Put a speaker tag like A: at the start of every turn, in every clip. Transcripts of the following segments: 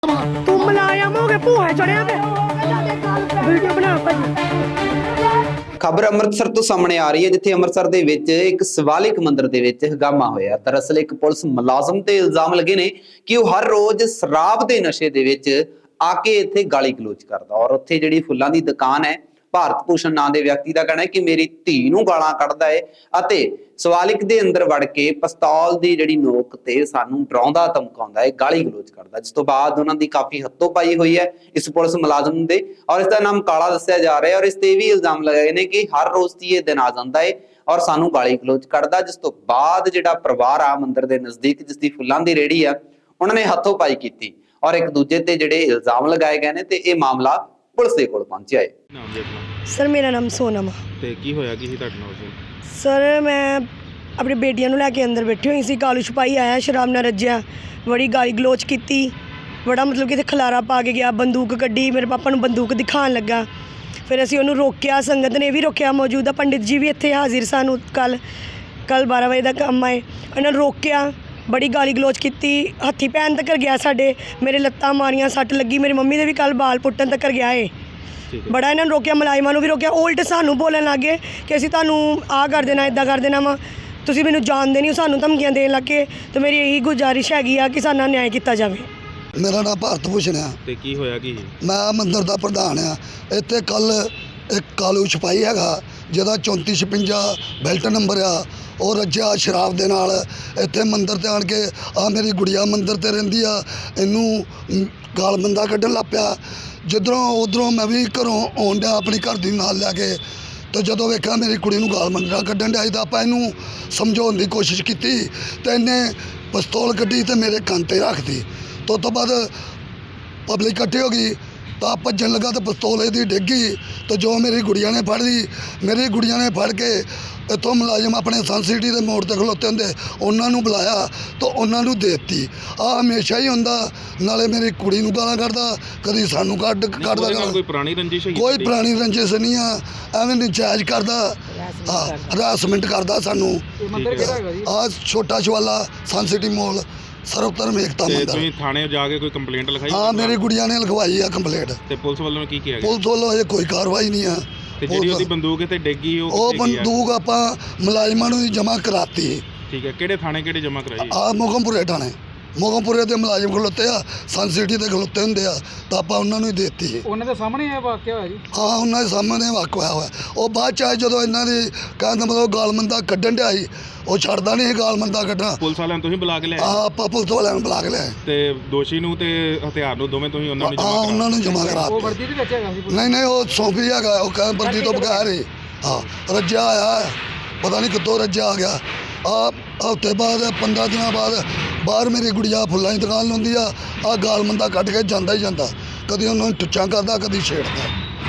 A: ਤੂੰ ਮਲਾਇਮ ਹੋ ਕੇ ਭੂਆ ਚੜਿਆ ਤੇ ਵੀਡੀਓ ਬਣਾ ਭਾਜੀ।
B: ਖਬਰ ਅੰਮ੍ਰਿਤਸਰ ਤੋਂ ਸਾਹਮਣੇ ਆ ਰਹੀ ਹੈ, ਜਿੱਥੇ ਅੰਮ੍ਰਿਤਸਰ ਦੇ ਵਿੱਚ ਇੱਕ ਸ਼ਿਵਾਲਿਕ ਮੰਦਿਰ ਦੇ ਵਿੱਚ ਹੰਗਾਮਾ ਹੋਇਆ। ਦਰਅਸਲ ਇੱਕ ਪੁਲਿਸ ਮੁਲਾਜ਼ਮ ਤੇ ਇਲਜ਼ਾਮ ਲੱਗੇ ਨੇ ਕਿ ਉਹ ਹਰ ਰੋਜ਼ ਸ਼ਰਾਬ ਦੇ ਨਸ਼ੇ ਦੇ ਵਿੱਚ ਆ ਕੇ ਇੱਥੇ ਗਾਲੀ ਗਲੋਚ ਕਰਦਾ, ਔਰ ਉੱਥੇ ਜਿਹੜੀ ਫੁੱਲਾਂ ਦੀ ਦੁਕਾਨ ਹੈ, ਭਾਰਤ ਭੂਸ਼ਣ ਨਾਂ ਦੇ ਵਿਅਕਤੀ ਦਾ ਕਹਿਣਾ ਹੈ ਕਿ ਮੇਰੀ ਧੀ ਨੂੰ ਗਾਲਾਂ ਕੱਢਦਾ ਹੈ ਅਤੇ ਸ਼ਿਵਾਲਿਕ ਦੇ ਅੰਦਰ ਵੜ ਕੇ ਪਿਸਤੌਲ ਦੀ ਜਿਹੜੀ ਨੋਕ ਤੇ ਸਾਨੂੰ ਡਰਾਉਂਦਾ ਧਮਕਾਉਂਦਾ ਹੈ, ਗਾਲੀ ਗਲੋਚ ਕਰਦਾ। ਜਿਸ ਤੋਂ ਬਾਅਦ ਉਹਨਾਂ ਦੀ ਕਾਫੀ ਹੱਥੋਂ ਪਾਈ ਹੋਈ ਹੈ ਇਸ ਪੁਲਿਸ ਮੁਲਾਜ਼ਮ ਦੇ, ਔਰ ਇਸ ਦਾ ਨਾਮ ਕਾਲਾ ਦੱਸਿਆ ਜਾ ਰਿਹਾ ਹੈ। ਔਰ ਇਸ ਤੇ ਵੀ ਇਲਜ਼ਾਮ ਲਗਾਏ ਨੇ ਕਿ ਹਰ ਰੋਜ਼ ਦੀ ਇਹ ਦਿਨ ਆ ਜਾਂਦਾ ਹੈ ਔਰ ਸਾਨੂੰ ਗਾਲੀ ਗਲੋਚ ਕਰਦਾ। ਜਿਸ ਤੋਂ ਬਾਅਦ ਜਿਹੜਾ ਪਰਿਵਾਰ ਆ ਮੰਦਿਰ ਦੇ ਨਜ਼ਦੀਕ, ਜਿਸ ਦੀ ਫੁੱਲਾਂ ਦੀ ਰੇਹੜੀ ਆ, ਉਹਨਾਂ ਨੇ ਹੱਥੋਂ ਪਾਈ ਕੀਤੀ ਔਰ ਇੱਕ ਦੂਜੇ ਤੇ ਜਿਹੜੇ ਇਲਜ਼ਾਮ ਲਗਾਏ ਗਏ ਨੇ ਤੇ ਇਹ ਮਾਮਲਾ ਪੁਲਿਸ ਦੇ ਕੋਲ ਪਹੁੰਚਿਆ ਹੈ।
C: ਨਾਮ ਜੀ ਆਪਣਾ
A: ਸਰ ਮੇਰਾ ਨਾਮ ਸੋਨਮ ਆ।
C: ਤੇ ਕੀ ਹੋਇਆ ਕੀ ਸੀ ਤੁਹਾਡੇ ਨਾਲ ਉਸ ਦਿਨ?
A: ਸਰ ਮੈਂ ਆਪਣੀ ਬੇਟੀਆਂ ਨੂੰ ਲੈ ਕੇ ਅੰਦਰ ਬੈਠੀ ਹੋਈ ਸੀ, ਕਾਲੂ ਛਪਾਈ ਆਇਆ ਸ਼ਰਾਬ ਨਾਲ ਰੱਜਿਆ, ਬੜੀ ਗਾਲੀ ਗਲੋਚ ਕੀਤੀ, ਬੜਾ ਮਤਲਬ ਕਿ ਇੱਥੇ ਖਲਾਰਾ ਪਾ ਕੇ ਗਿਆ, ਬੰਦੂਕ ਕੱਢੀ, ਮੇਰੇ ਪਾਪਾ ਨੂੰ ਬੰਦੂਕ ਦਿਖਾਉਣ ਲੱਗਾ। ਫਿਰ ਅਸੀਂ ਉਹਨੂੰ ਰੋਕਿਆ, ਸੰਗਤ ਨੇ ਵੀ ਰੋਕਿਆ, ਮੌਜੂਦਾ ਪੰਡਿਤ ਜੀ ਵੀ ਇੱਥੇ ਹਾਜ਼ਰ ਸਨ। ਕੱਲ 12 ਵਜੇ ਦਾ ਕੰਮ ਆਏ, ਉਹਨਾਂ ਨੂੰ ਰੋਕਿਆ, ਬੜੀ ਗਾਲੀ ਗਲੋਚ ਕੀਤੀ, ਹੱਥੀ ਪੈਣ ਤੱਕ ਗਿਆ ਸਾਡੇ, ਮੇਰੇ ਲੱਤਾਂ ਮਾਰੀਆਂ, ਸੱਟ ਲੱਗੀ, ਮੇਰੀ ਮੰਮੀ ਦੇ ਵੀ ਕੱਲ ਬਾਲ ਪੁੱਟਣ ਤੱਕ ਗਿਆ ਏ। ਬੜਾ ਇਹਨਾਂ ਨੂੰ ਰੋਕਿਆ, ਮੁਲਾਜ਼ਮਾਂ ਨੂੰ ਵੀ ਰੋਕਿਆ। ਉਲਟ ਸਾਨੂੰ ਬੋਲਣ ਲੱਗ ਗਏ ਕਿ ਅਸੀਂ ਤੁਹਾਨੂੰ ਆਹ ਕਰ ਦੇਣਾ, ਇੱਦਾਂ ਕਰ ਦੇਣਾ ਵਾ, ਤੁਸੀਂ ਮੈਨੂੰ ਜਾਣਦੇ ਨਹੀਂ, ਸਾਨੂੰ ਧਮਕੀਆਂ ਦੇਣ ਲੱਗੇ। ਤੇ ਮੇਰੀ ਇਹੀ ਗੁਜ਼ਾਰਿਸ਼ ਹੈਗੀ ਆ ਕਿ ਸਾਡਾ ਨਿਆਂ ਕੀਤਾ ਜਾਵੇ।
D: ਮੇਰਾ ਨਾਮ ਭਾਰਤ ਭੂਸ਼ਣ ਆ
C: ਤੇ ਕੀ ਹੋਇਆ ਕੀ ਸੀ?
D: ਮੈਂ ਮੰਦਿਰ ਦਾ ਪ੍ਰਧਾਨ ਆ। ਇੱਥੇ ਕੱਲ ਇੱਕ ਕਾਲੂ ਛਪਾਈ ਹੈਗਾ ਜਿਹਦਾ 3456 ਬੈਲਟ ਨੰਬਰ ਆ, ਉਹ ਰੱਜਿਆ ਸ਼ਰਾਬ ਦੇ ਨਾਲ ਇੱਥੇ ਮੰਦਿਰ ਤੇ ਆਣ ਕੇ ਆ ਮੇਰੀ ਗੁੜੀਆ ਮੰਦਿਰ ਤੇ ਰਹਿੰਦੀ ਆ, ਇਹਨੂੰ ਗਾਲ ਬੰਦਾ ਕੱਢਣ ਲੱਗ ਪਿਆ। ਜਿੱਧਰੋਂ ਉਧਰੋਂ ਮੈਂ ਵੀ ਘਰੋਂ ਆਉਣ ਡਿਆ ਆਪਣੀ ਘਰ ਦੀ ਨਾਲ ਲੈ ਕੇ, ਤੇ ਜਦੋਂ ਵੇਖਿਆ ਮੇਰੀ ਕੁੜੀ ਨੂੰ ਗਾਲ ਮੰਦਾ ਕੱਢਣ ਡਿਆ ਤਾਂ ਆਪਾਂ ਇਹਨੂੰ ਸਮਝਾਉਣ ਦੀ ਕੋਸ਼ਿਸ਼ ਕੀਤੀ ਤੇ ਇਹਨੇ ਪਿਸਤੌਲ ਕੱਢੀ ਤੇ ਮੇਰੇ ਕੰਨ 'ਤੇ ਰੱਖਤੀ। ਤੋਂ ਬਾਅਦ ਪਬਲਿਕ ਇਕੱਠੀ ਹੋ ਗਈ ਤਾਂ ਭੱਜਣ ਲੱਗਾ ਤੇ ਪਿਸਤੌਲ ਇਹਦੀ ਡਿੱਗ ਗਈ। ਤੇ ਜੋ ਮੇਰੀ ਗੁੜੀਆ ਨੇ ਫੜ ਲਈ, ਮੇਰੀ ਗੁੜੀਆ ਨੇ ਫੜ ਕੇ ਇੱਥੋਂ ਮੁਲਾਜ਼ਮ ਆਪਣੇ ਸਨ ਸਿਟੀ ਦੇ ਮੋੜ ਤੇ ਖਲੋਤੇ ਹੁੰਦੇ, ਉਹਨਾਂ ਨੂੰ ਬੁਲਾਇਆ ਤਾਂ ਉਹਨਾਂ ਨੂੰ ਦੇ ਦਿੱਤੀ। ਆਹ ਹਮੇਸ਼ਾ ਹੀ ਹੁੰਦਾ, ਨਾਲੇ ਮੇਰੀ ਕੁੜੀ ਨੂੰ ਗਾਲਾਂ ਕੱਢਦਾ, ਕਦੀ ਸਾਨੂੰ ਕੱਢਦਾ ਗਾਲਾਂ।
C: ਕੋਈ ਪੁਰਾਣੀ ਰੰਜਿਸ਼ ਹੈ?
D: ਕੋਈ ਪੁਰਾਣੀ ਰੰਜਿਸ਼ ਨਹੀਂ ਆ, ਐਵੇਂ ਨਜਾਇਜ਼ ਕਰਦਾ, ਹਰਾਸਮੈਂਟ ਕਰਦਾ ਸਾਨੂੰ। ਆਹ ਛੋਟਾ ਸ਼ਵਾਲਾ ਸਨ ਸਿਟੀ ਮੋਲ ਸਰਵਧਰਮ ਏਕਤਾ ਮੰਦਰ।
C: ਤੁਸੀਂ ਥਾਣੇ ਜਾ ਕੇ ਕੋਈ ਕੰਪਲੇਂਟ ਲਿਖਾਈ?
D: ਹਾਂ, ਮੇਰੀ ਗੁੜੀਆ ਨੇ ਲਿਖਵਾਈ ਆ ਕੰਪਲੇਂਟ।
C: ਤੇ ਪੁਲਿਸ ਵੱਲੋਂ ਕੀ ਕਿਹਾ ਗਿਆ?
D: ਪੁਲਿਸ ਵੱਲੋਂ ਅਜੇ ਕੋਈ ਕਾਰਵਾਈ ਨਹੀਂ ਆ।
C: ਤੇ ਜਿਹੜੀ ਉਹਦੀ ਬੰਦੂਕ ਤੇ ਡਿੱਗੀ
D: ਉਹ ਬੰਦੂਕ ਆਪਾਂ ਮੁਲਾਜ਼ਮਾਂ ਨੂੰ ਜਮ੍ਹਾਂ ਕਰਾਤੀ।
C: ਠੀਕ ਹੈ, ਕਿਹੜੇ ਥਾਣੇ ਕਿਹੜੇ ਜਮ੍ਹਾਂ ਕਰਾਈ?
D: ਆ ਮੋਗਮਪੁਰੇ ਥਾਣੇ, ਮੋਗਮਪੁਰੇ ਦੇ ਮੁਲਾਜ਼ਮ ਖਲੋਤੇ ਆ, ਸਨ ਸਿਟੀ ਦੇ ਖਲੋਤੇ ਹੁੰਦੇ ਆ, ਤਾਂ ਆਪਾਂ ਉਹਨਾਂ ਨੂੰ ਹੀ ਦੇ ਦਿੱਤੀ।
E: ਉਹਨਾਂ ਦੇ ਸਾਹਮਣੇ ਇਹ ਵਾਕਿਆ ਹੋਇਆ ਜੀ?
D: ਹਾਂ, ਉਹਨਾਂ ਦੇ ਸਾਹਮਣੇ ਵਾਕਿਆ ਹੋਇਆ। ਉਹ ਬਾਅਦ ਚ ਆਏ ਜਦੋਂ ਇਹਨਾਂ ਦੀ ਕਹਿਣ ਦਾ ਮਤਲਬ ਗਾਲਮੰਦਾ ਕੱਢਣ ਡਿਆ ਸੀ, ਉਹ ਛੱਡਦਾ ਨਹੀਂ ਸੀ ਗਾਲਮੰਦਾ ਕੱਢਣਾ।
C: ਪੁਲਿਸ ਵਾਲਿਆਂ ਨੂੰ ਤੁਸੀਂ ਬੁਲਾ ਕੇ ਲਿਆਏ?
D: ਹਾਂ, ਆਪਾਂ ਪੁਲਿਸ ਵਾਲਿਆਂ ਨੂੰ ਬੁਲਾ ਕੇ ਲਿਆਏ
C: ਤੇ ਦੋਸ਼ੀ ਨੂੰ ਤੇ ਹਥਿਆਰ ਨੂੰ ਦੋਵੇਂ ਤੁਸੀਂ ਉਹਨਾਂ ਨੂੰ
D: ਹਾਂ,
C: ਜਮ੍ਹਾਂ
D: ਉਹਨਾਂ ਨੂੰ ਜਮ੍ਹਾਂ ਕਰਾ
E: ਉਹ
D: ਦਿੱਤੇ।
E: ਵਰਦੀ ਦੇ ਵਿੱਚ ਹੈਗਾ ਸੀ?
D: ਨਹੀਂ, ਉਹ ਸੌਂਪੀ ਹੈਗਾ, ਉਹ ਕਹਿੰਦਾ ਵਰਦੀ ਤੋਂ ਬਗੈਰ ਹੀ। ਹਾਂ, ਰੱਜਿਆ ਆਇਆ, ਪਤਾ ਨਹੀਂ ਕਿੱਥੋਂ ਰੱਜਿਆ ਆ ਗਿਆ। ਆ ਹਫ਼ਤੇ ਬਾਅਦ 15 ਦਿਨਾਂ ਬਾਅਦ ਬਾਹਰ ਮੇਰੀ ਗੁੜੀਆ ਫੁੱਲਾਂ ਦੀ ਦੁਕਾਨ ਲਾਉਂਦੀ ਆ, ਆਹ ਗਾਲਮੰਦਾ ਕੱਢ ਕੇ ਜਾਂਦਾ ਹੀ ਜਾਂਦਾ, ਕਦੀ ਉਹਨਾਂ ਨੂੰ ਟੁੱਚਾਂ ਕਰਦਾ, ਕਦੀ ਛੇੜਦਾ।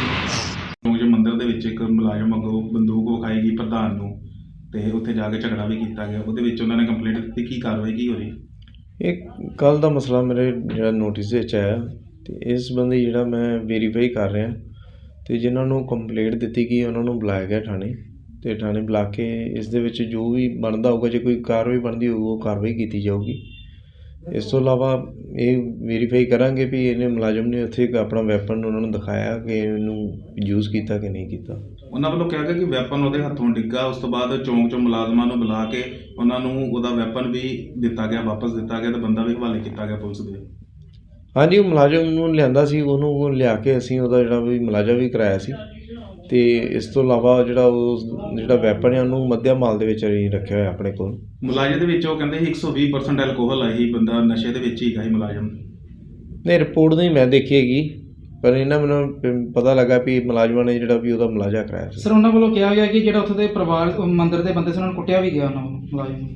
C: ਕਿਉਂਕਿ ਮੰਦਿਰ ਦੇ ਵਿੱਚ ਇੱਕ ਮੁਲਾਜ਼ਮ ਅੱਗੋਂ ਬੰਦੂਕ ਵਿਖਾਈ ਗਈ ਪ੍ਰਧਾਨ ਨੂੰ, ਤੇ ਉੱਥੇ ਜਾ ਕੇ ਝਗੜਾ ਵੀ ਕੀਤਾ ਗਿਆ, ਉਹਦੇ ਵਿੱਚ ਉਹਨਾਂ ਨੇ ਕੰਪਲੇਂਟ ਦਿੱਤੀ। ਕੀ ਕਾਰਵਾਈ ਕੀ ਹੋ ਰਹੀ?
F: ਇਹ ਕੱਲ੍ਹ ਦਾ ਮਸਲਾ ਮੇਰੇ ਜਿਹੜਾ ਨੋਟਿਸ ਵਿੱਚ ਆਇਆ, ਅਤੇ ਇਸ ਸੰਬੰਧੀ ਜਿਹੜਾ ਮੈਂ ਵੈਰੀਫਾਈ ਕਰ ਰਿਹਾ, ਅਤੇ ਜਿਨ੍ਹਾਂ ਨੂੰ ਕੰਪਲੇਂਟ ਦਿੱਤੀ ਗਈ ਉਹਨਾਂ ਨੂੰ ਬੁਲਾਇਆ ਗਿਆ ਥਾਣੇ, ਅਤੇ ਥਾਣੇ ਬੁਲਾ ਕੇ ਇਸ ਦੇ ਵਿੱਚ ਜੋ ਵੀ ਬਣਦਾ ਹੋਊਗਾ, ਜੇ ਕੋਈ ਕਾਰਵਾਈ ਬਣਦੀ ਹੋਊ ਉਹ ਕਾਰਵਾਈ ਕੀਤੀ ਜਾਊਗੀ। ਇਸ ਤੋਂ ਇਲਾਵਾ ਇਹ ਵੈਰੀਫਾਈ ਕਰਾਂਗੇ ਵੀ ਇਹਨੇ ਮੁਲਾਜ਼ਮ ਨੇ ਉੱਥੇ ਇੱਕ ਆਪਣਾ ਵੈਪਨ ਉਹਨਾਂ ਨੂੰ ਦਿਖਾਇਆ ਕਿ ਇਹਨੂੰ ਯੂਜ਼ ਕੀਤਾ ਕਿ ਨਹੀਂ ਕੀਤਾ।
C: ਉਹਨਾਂ ਵੱਲੋਂ ਕਿਹਾ ਗਿਆ ਕਿ ਵੈਪਨ ਉਹਦੇ ਹੱਥੋਂ ਡਿੱਗਾ, ਉਸ ਤੋਂ ਬਾਅਦ ਚੌਂਕ 'ਚੋਂ ਮੁਲਾਜ਼ਮਾਂ ਨੂੰ ਬੁਲਾ ਕੇ ਉਹਨਾਂ ਨੂੰ ਉਹਦਾ ਵੈਪਨ ਵੀ ਦਿੱਤਾ ਗਿਆ, ਵਾਪਸ ਦਿੱਤਾ ਗਿਆ, ਤੇ ਬੰਦਾ ਵੀ ਹਵਾਲੇ ਕੀਤਾ ਗਿਆ ਪੁਲਿਸ ਦੇ।
F: ਹਾਂਜੀ, ਉਹ ਮੁਲਾਜ਼ਮ ਨੂੰ ਲਿਆਂਦਾ ਸੀ, ਉਹਨੂੰ ਲਿਆ ਕੇ ਅਸੀਂ ਉਹਦਾ ਜਿਹੜਾ ਵੀ ਮੁਲਾਜ਼ਾ ਵੀ ਕਰਾਇਆ ਸੀ। ਅਤੇ ਇਸ ਤੋਂ ਇਲਾਵਾ ਜਿਹੜਾ ਵੈਪਨ ਹੈ ਉਹਨੂੰ ਮੱਧਿਆ ਮਾਲ ਦੇ ਵਿੱਚ ਅਸੀਂ ਰੱਖਿਆ ਹੋਇਆ ਆਪਣੇ ਕੋਲ।
C: ਮੁਲਾਜ਼ਮ ਦੇ ਵਿੱਚ ਉਹ ਕਹਿੰਦੇ ਸੀ 120% ਐਲਕੋਹਲ ਆਈ, ਬੰਦਾ ਨਸ਼ੇ ਦੇ ਵਿੱਚ ਹੀ ਹੈਗਾ ਸੀ ਮੁਲਾਜ਼ਮ।
F: ਨਹੀਂ, ਰਿਪੋਰਟ ਨਹੀਂ ਮੈਂ ਦੇਖੀ ਹੈਗੀ, ਪਰ ਇਹਨਾਂ ਮੈਨੂੰ ਪਤਾ ਲੱਗਾ ਵੀ ਮੁਲਾਜ਼ਮਾਂ ਨੇ ਜਿਹੜਾ ਵੀ ਉਹਦਾ ਮੁਲਾਜ਼ਾ ਕਰਾਇਆ ਸੀ।
E: ਸਰ, ਉਹਨਾਂ ਵੱਲੋਂ ਕਿਹਾ ਗਿਆ ਕਿ ਜਿਹੜਾ ਉੱਥੇ ਦੇ ਪਰਿਵਾਰ ਮੰਦਿਰ ਦੇ ਬੰਦੇ ਸੀ, ਉਹਨਾਂ ਨੂੰ ਕੁੱਟਿਆ ਵੀ ਗਿਆ ਉਹਨਾਂ ਵੱਲੋਂ ਮੁਲਾਜ਼ਮ ਨੂੰ?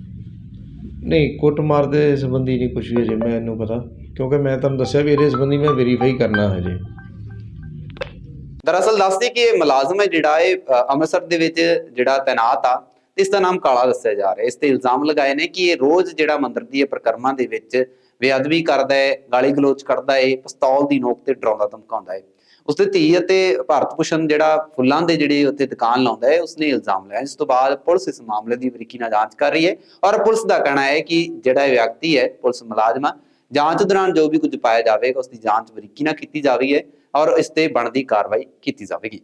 F: ਨਹੀਂ, ਕੁੱਟਮਾਰ ਦੇ ਸੰਬੰਧੀ ਨਹੀਂ ਕੁਛ ਵੀ ਅਜੇ ਮੈਨੂੰ ਪਤਾ, ਕਿਉਂਕਿ ਮੈਂ ਤੁਹਾਨੂੰ ਦੱਸਿਆ ਵੀ ਇਹਦੇ ਸੰਬੰਧੀ ਮੈਂ ਵੈਰੀਫਾਈ ਕਰਨਾ ਹਜੇ।
B: ਦਰਅਸਲ ਦੱਸਦੇ ਕਿ ਇਹ ਮੁਲਾਜ਼ਮ ਹੈ ਜਿਹੜਾ ਇਹ ਅੰਮ੍ਰਿਤਸਰ ਦੇ ਵਿੱਚ ਜਿਹੜਾ ਤੈਨਾਤ ਆ, ਇਸ ਦਾ ਨਾਮ ਕਾਲਾ ਦੱਸਿਆ ਜਾ ਰਿਹਾ। ਇਸ ਤੇ ਇਲਜ਼ਾਮ ਲਗਾਏ ਨੇ ਕਿ ਇਹ ਰੋਜ਼ ਜਿਹੜਾ ਮੰਦਿਰ ਦੀ ਪ੍ਰਕਰਮਾਂ ਦੇ ਵਿੱਚ ਬੇਅਦਬੀ ਕਰਦਾ ਹੈ, ਗਾਲੀ ਗਲੋਚ ਕਰਦਾ ਹੈ, ਪਿਸਤੌਲ ਦੀ ਨੋਕ ਤੇ ਡਰਾਉਂਦਾ ਧਮਕਾਉਂਦਾ ਹੈ। ਉਸਦੇ ਧੀ ਅਤੇ ਭਾਰਤ ਭੂਸ਼ਣ ਜਿਹੜਾ ਫੁੱਲਾਂ ਦੇ ਜਿਹੜੇ ਉੱਤੇ ਦੁਕਾਨ ਲਾਉਂਦਾ ਹੈ, ਉਸਨੇ ਇਲਜ਼ਾਮ ਲਾਇਆ। ਇਸ ਤੋਂ ਬਾਅਦ ਪੁਲਿਸ ਇਸ ਮਾਮਲੇ ਦੀ ਬਰੀਕੀ ਨਾਲ ਜਾਂਚ ਕਰ ਰਹੀ ਹੈ ਔਰ ਪੁਲਿਸ ਦਾ ਕਹਿਣਾ ਹੈ ਕਿ ਜਿਹੜਾ ਇਹ ਵਿਅਕਤੀ ਹੈ, ਪੁਲਿਸ ਮੁਲਾਜ਼ਮ ਜਾਂਚ ਦੌਰਾਨ ਜੋ ਵੀ ਕੁਝ ਪਾਇਆ ਜਾਵੇਗਾ ਉਸ ਦੀ ਜਾਂਚ ਬਰੀਕੀ ਨਾਲ ਕੀਤੀ ਜਾਵੇਗੀ ਔਰ ਇਸ ਤੇ ਬਣਦੀ ਕਾਰਵਾਈ ਕੀਤੀ ਜਾਵੇਗੀ।